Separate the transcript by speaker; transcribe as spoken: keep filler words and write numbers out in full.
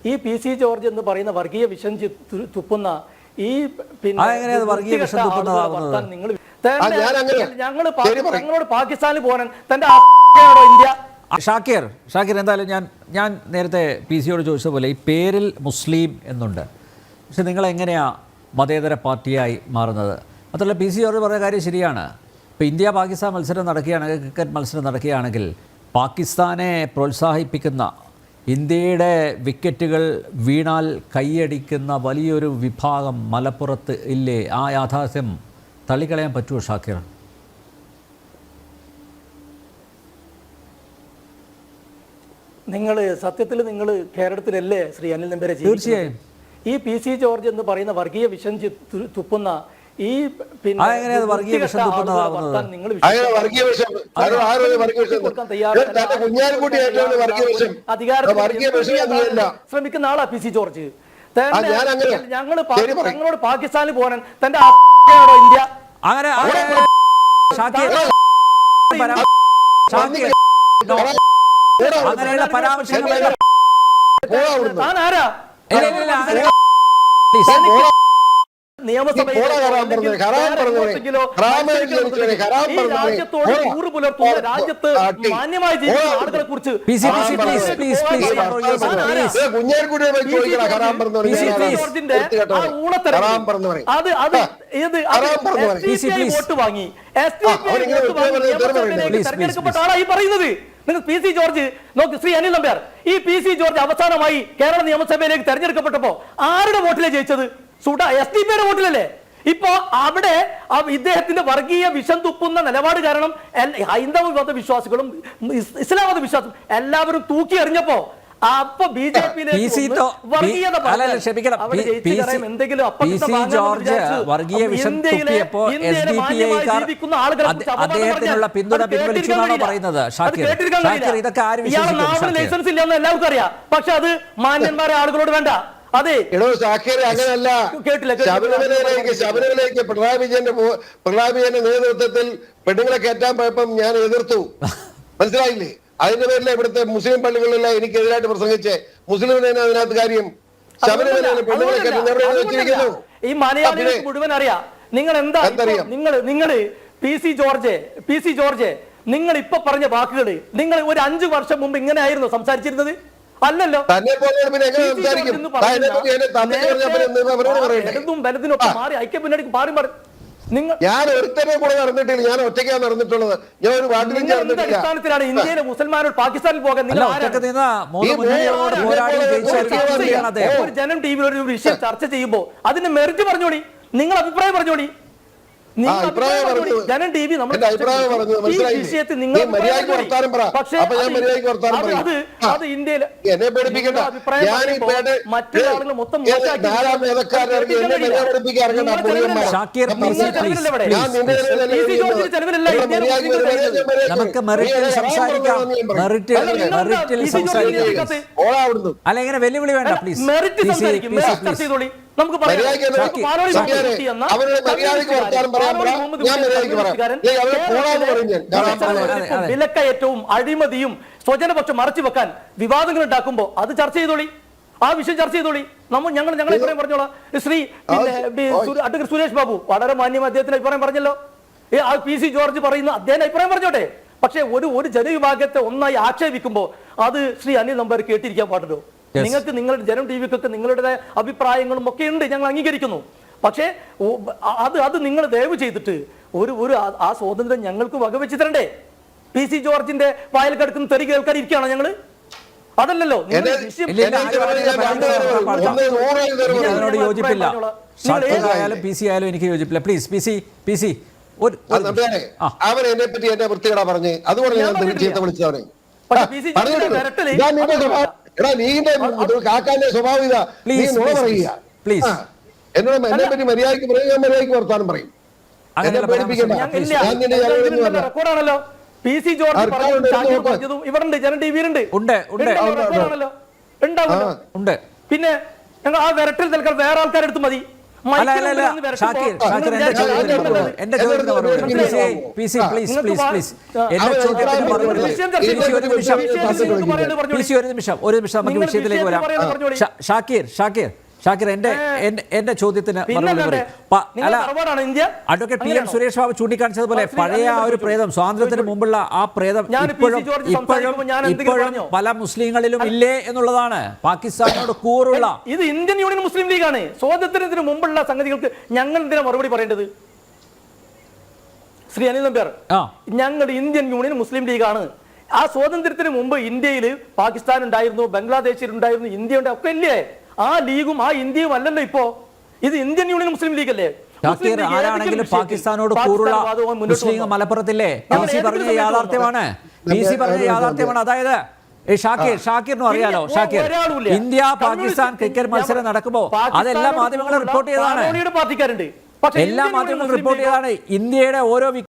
Speaker 1: ഈ P C George എന്ന് പറയുന്ന വർഗീയ വിഷം തുപ്പുന്ന ഈ പിന്നെ ഞങ്ങൾ ഞങ്ങളോട് പാകിസ്ഥാനിൽ പോകാൻ തന്റെ ഇന്ത്യ.
Speaker 2: ഷാക്കിർ ഷാക്കിർ എന്തായാലും ഞാൻ ഞാൻ നേരത്തെ പി സിയോട് ചോദിച്ചതുപോലെ ഈ പേരിൽ മുസ്ലിം എന്നുണ്ട്, പക്ഷെ നിങ്ങൾ എങ്ങനെയാണ് മതേതര പാർട്ടിയായി മാറുന്നത്? മാത്രമല്ല പി സിയോട് പറഞ്ഞ കാര്യം ശരിയാണ്. ഇപ്പോൾ ഇന്ത്യ പാകിസ്ഥാൻ മത്സരം നടക്കുകയാണെങ്കിൽ, ക്രിക്കറ്റ് മത്സരം നടക്കുകയാണെങ്കിൽ പാകിസ്ഥാനെ പ്രോത്സാഹിപ്പിക്കുന്ന, ഇന്ത്യയുടെ വിക്കറ്റുകൾ വീണാൽ കൈയടിക്കുന്ന വലിയൊരു വിഭാഗം മലപ്പുറത്ത് ഇല്ലേ? ആ യാഥാർത്ഥ്യം തള്ളിക്കളയാൻ പറ്റുമോ ഷാക്കിർ?
Speaker 1: നിങ്ങൾ സത്യത്തിൽ നിങ്ങൾ കേരളത്തിലല്ലേ ശ്രീ അനിൽ നമ്പ്യാരെ?
Speaker 2: തീർച്ചയായും.
Speaker 1: ഈ പി സി ജോർജ് എന്ന് പറയുന്ന വർഗീയ വിഷം തുപ്പുന്ന ഈ പിന്നെ
Speaker 2: വർഗീയ വിഷം തുപ്പുന്നതാകുന്നത്
Speaker 1: നിങ്ങൾ ശ്രമിക്കുന്ന ആളാ പി സി ജോർജ്. ഞങ്ങൾ ഞങ്ങളോട് പാകിസ്ഥാനിൽ പോകാൻ തന്റെ ഇന്ത്യ
Speaker 2: അങ്ങനെ അങ്ങനെയുള്ള പരാമർശങ്ങൾ
Speaker 1: നിയമസഭയിൽ രാജ്യത്ത് മാന്യമായി ജീവിക്കുന്ന ആളുകളെ കുറിച്ച് അത് അത് ഇത് വോട്ട് വാങ്ങി എസ് ഡി പി വോട്ട് വാങ്ങി തെരഞ്ഞെടുക്കപ്പെട്ട ആളായി പറയുന്നത്. നിങ്ങൾ പി സി ജോർജ് നോക്ക് ശ്രീ അനിൽ നമ്പ്യാർ, ഈ പി സി ജോർജ് അവസാനമായി കേരള നിയമസഭയിലേക്ക് തെരഞ്ഞെടുക്കപ്പെട്ടപ്പോ ആരുടെ വോട്ടിലെ ജയിച്ചത്? സുഡ എസ് ഡി പിയുടെ വോട്ടിലല്ലേ? ഇപ്പോ അവിടെ ഇദ്ദേഹത്തിന്റെ വർഗീയ വിഷം തുപ്പുന്ന നിലപാട് കാരണം ഹൈന്ദവ മത വിശ്വാസികളും ഇസ്ലാം മത വിശ്വാസം എല്ലാവരും തൂക്കി എറിഞ്ഞപ്പോ അപ്പൊ ബി ജെ പിയിലെ
Speaker 2: അദ്ദേഹത്തിനുള്ള പിന്തുണ പിൻവലിച്ചു എന്നാണ് പറയുന്നത്.
Speaker 1: ലൈസൻസ് ഇല്ലെന്ന് എല്ലാവർക്കും അറിയാം, പക്ഷെ അത് മാന്യന്മാരെ ആളുകളോട് വേണ്ട. അതെ
Speaker 3: എടോ ഷാക്കിർ അങ്ങനെയല്ല. ശബരിമലയിലേക്ക് ശബരിമലയിലേക്ക് പിണറായി വിജയന്റെ പിണറായി വിജയന്റെ നേതൃത്വത്തിൽ പെണ്ണുങ്ങളെ കയറ്റാൻ പോയപ്പം ഞാൻ എതിർത്തു, മനസ്സിലായില്ലേ? അതിന്റെ പേരിൽ ഇവിടുത്തെ മുസ്ലിം പള്ളികളിലെല്ലാം എനിക്കെതിരായിട്ട് പ്രസംഗിച്ചേ. മുസ്ലിമിനെ അതിനകത്ത് കാര്യം ശബരിമലയിൽ പെണ്ണുങ്ങളെ കയറ്റുന്ന
Speaker 1: ഈ മലയാളികൾക്ക് മുഴുവൻ അറിയാം. നിങ്ങൾ എന്താ നിങ്ങൾ നിങ്ങൾ P C George P C George നിങ്ങൾ ഇപ്പൊ പറഞ്ഞ വാക്കുകൾ നിങ്ങൾ ഒരു അഞ്ചു വർഷം മുമ്പ് ഇങ്ങനെ ആയിരുന്നു സംസാരിച്ചിരുന്നത്? അല്ലല്ലോ. വലതും വലതിനൊപ്പം മാറി ഐക്യ മുന്നണിക്ക് മാറി മാറി നിങ്ങൾ
Speaker 3: ഞാൻ ഒരുത്തനെ കൂടെ നടന്നിട്ടില്ല, ഞാൻ ഒറ്റയ്ക്കാണ് നടന്നിട്ടുള്ളത്. ഞാൻ ഒരു വാർഡിലും
Speaker 1: അടിസ്ഥാനത്തിലാണ് ഇന്ത്യയിലെ മുസൽമാനോട് പാകിസ്ഥാനിൽ പോകാൻ നിങ്ങൾ ഒരു ജനം ടി വിയിൽ ഒരു വിഷയം ചർച്ച ചെയ്യുമ്പോ അതിന്റെ മെറിറ്റ് പറഞ്ഞോളി, നിങ്ങൾ അഭിപ്രായം പറഞ്ഞോളി. ജനം ടി വി നമ്മുടെ വിഷയത്തിൽ നിങ്ങൾ പക്ഷേ അത് ഇന്ത്യയിൽ മറ്റു ആളുകൾ മൊത്തം
Speaker 2: നമുക്ക് മെറിറ്റിൽ സംസാരിക്കാം. മെറിറ്റിൽ സംസാരിക്കാം. അല്ല ഇങ്ങനെ വെല്ലുവിളി വേണ്ട പ്ലീസ്.
Speaker 1: മെറിറ്റ് സംസാരിക്കും, ചെയ്തോളി. നമുക്ക് വിലക്കയറ്റവും അഴിമതിയും സ്വജനപക്ഷം മറച്ചു വെക്കാൻ വിവാദങ്ങൾ ഉണ്ടാക്കുമ്പോ അത് ചർച്ച ചെയ്തോളി, ആ വിഷയം ചർച്ച ചെയ്തോളി. നമ്മൾ ഞങ്ങൾ ഞങ്ങൾ അഭിപ്രായം പറഞ്ഞോളാം. ശ്രീ പിന്നെ അഡ്വക്കേറ്റ് സുരേഷ് ബാബു വളരെ മാന്യം അദ്ദേഹത്തിന്റെ അഭിപ്രായം പറഞ്ഞല്ലോ. ആ പി സി ജോർജ് പറയുന്ന അദ്ദേഹത്തിന്റെ അഭിപ്രായം പറഞ്ഞോട്ടെ. പക്ഷെ ഒരു ഒരു ജനവിഭാഗത്തെ ഒന്നായി ആക്ഷേപിക്കുമ്പോ അത് ശ്രീ അനിൽ നമ്പ്യാർ കേട്ടിരിക്കാൻ പാടുണ്ടോ? നിങ്ങൾക്ക് നിങ്ങളുടെ ജനം ടി വിക്കൊക്കെ നിങ്ങളുടെ അഭിപ്രായങ്ങളും ഒക്കെ ഉണ്ട്, ഞങ്ങൾ അംഗീകരിക്കുന്നു. പക്ഷേ അത് അത് നിങ്ങൾ ദയവ് ചെയ്തിട്ട് ഒരു ഒരു ആ സ്വാതന്ത്ര്യം ഞങ്ങൾക്ക് വകവെച്ച് തരണ്ടേ? പി സി ജോർജിന്റെ വായിൽ കിടക്കുന്ന തെറി കേൾക്കാൻ ഇരിക്കുകയാണോ ഞങ്ങള്? അതല്ലല്ലോ.
Speaker 2: യോജിപ്പില്ല, പി സി ആയാലും എനിക്ക് യോജിപ്പില്ല. Please P C P C
Speaker 3: അവൻ എന്നെ പറ്റി എന്നെ വൃത്തികേടാ പറഞ്ഞ്, അതുകൊണ്ട് ഞാൻ ചീത്ത വിളിച്ചവനെ. എടാ നീന്റെ കാക്കാന്റെ സ്വഭാവം ഇതാ, നീ നുണ പറയുക. എന്നോട് എന്നെ പറ്റി മര്യാദയ്ക്ക് പറയും, ഞാൻ മര്യാദയ്ക്ക് വർത്താനം പറയും. എന്നെ പേടിപ്പിക്കണ്ട. ഞാൻ നിന്റെ
Speaker 1: റെക്കോർഡാണല്ലോ. പി സി ജോർജ് പറഞ്ഞതും ഇവരുണ്ട്, ജനം ടി വിയിലുണ്ട്, ഉണ്ടാവുമല്ലോ. പിന്നെ ഞങ്ങൾ ആ വിരട്ടിൽ തൽക്കാലം വേറെ ആൾക്കാരെടുത്ത് മതി.
Speaker 2: അല്ല അല്ല അല്ല ഷാക്കിർ ഷാക്കിർ എന്റെ ചോദ്യത്തിന് മറുപടി എന്റെ ചോദ്യത്തിന് മറുപടി P C P C please please please എന്റെ ചോദ്യത്തിന് മറുപടി പി സി ഒരു നിമിഷം പി സി ഒരു നിമിഷം ഒരു നിമിഷം നമുക്ക് വിഷയത്തിലേക്ക് വരാം ഷാ- ഷാക്കിർ ഷാക്കിർ ഷാക്കിർ എന്റെ എന്റെ- എന്റെ ചോദ്യത്തിന് മറുപടി പറയും പ- അല്ല advocate P M Suresh Babu ചൂണ്ടിക്കാണിച്ചതുപോലെ പഴയ ആ ഒരു പ്രേതം സ്വാതന്ത്ര്യത്തിന് മുമ്പുള്ള ആ പ്രേതം
Speaker 1: ഞാൻ പി സി
Speaker 2: ഇപ്പോഴും
Speaker 1: ജോർജ്
Speaker 2: ഇപ്പോഴും
Speaker 1: സംസാരിക്കുമ്പോൾ ഞാൻ എന്തെങ്കിലും
Speaker 2: ഇപ്പോഴും
Speaker 1: പറഞ്ഞോ?
Speaker 2: പല മുസ്ലിങ്ങളിലും ഇല്ലേ എന്നുള്ളതാണ് പാകിസ്ഥാനോട് കൂറുള്ള
Speaker 1: ഇത് ഇന്ത്യൻ യൂണിയൻ മുസ്ലിം ലീഗാണ്. സ്വാതന്ത്ര്യത്തിന് മുമ്പുള്ള സംഗതികൾക്ക് ഞങ്ങൾ എന്തിനാ മറുപടി പറയേണ്ടത്? ശ്രീ അനിൽ നമ്പ്യാർ,
Speaker 2: ആ
Speaker 1: ഞങ്ങൾ ഇന്ത്യൻ യൂണിയൻ മുസ്ലിം ലീഗാണ്. ആ സ്വാതന്ത്ര്യത്തിന് മുമ്പ് ഇന്ത്യയിൽ പാകിസ്ഥാൻ ഉണ്ടായിരുന്നു, ബംഗ്ലാദേശിൽ ഉണ്ടായിരുന്നു, ഇന്ത്യ ഉണ്ട്, ഒക്കെ ഇല്ലേ? ആ ലീഗും ആ ഇന്ത്യയും അല്ലല്ലോ ഇപ്പോ. ഇത് ഇന്ത്യൻ യൂണിയൻ മുസ്ലിം ലീഗ് അല്ലേ?
Speaker 2: ഷാക്കിർ ആരാണെങ്കിലും പാകിസ്ഥാനോട് കൂറുള്ള മുസ്ലിം മലപ്പുറത്തില്ലേ? പി സി പറഞ്ഞ യാഥാർത്ഥ്യമാണ്. പി സി പറഞ്ഞ യാഥാർത്ഥ്യമാണ്. അതായത് ഈ ഷാക്കിർ ഷാക്കിറിനും അറിയാലോ, ഷാക്കിർ ഇന്ത്യ പാകിസ്ഥാൻ ക്രിക്കറ്റ് മത്സരം നടക്കുമ്പോൾ അതെല്ലാ മാധ്യമങ്ങളും റിപ്പോർട്ട് ചെയ്തതാണ്.
Speaker 1: പാർട്ടിക്കാരുണ്ട്,
Speaker 2: എല്ലാ മാധ്യമങ്ങളും റിപ്പോർട്ട് ചെയ്തതാണ്. ഇന്ത്യയുടെ ഓരോ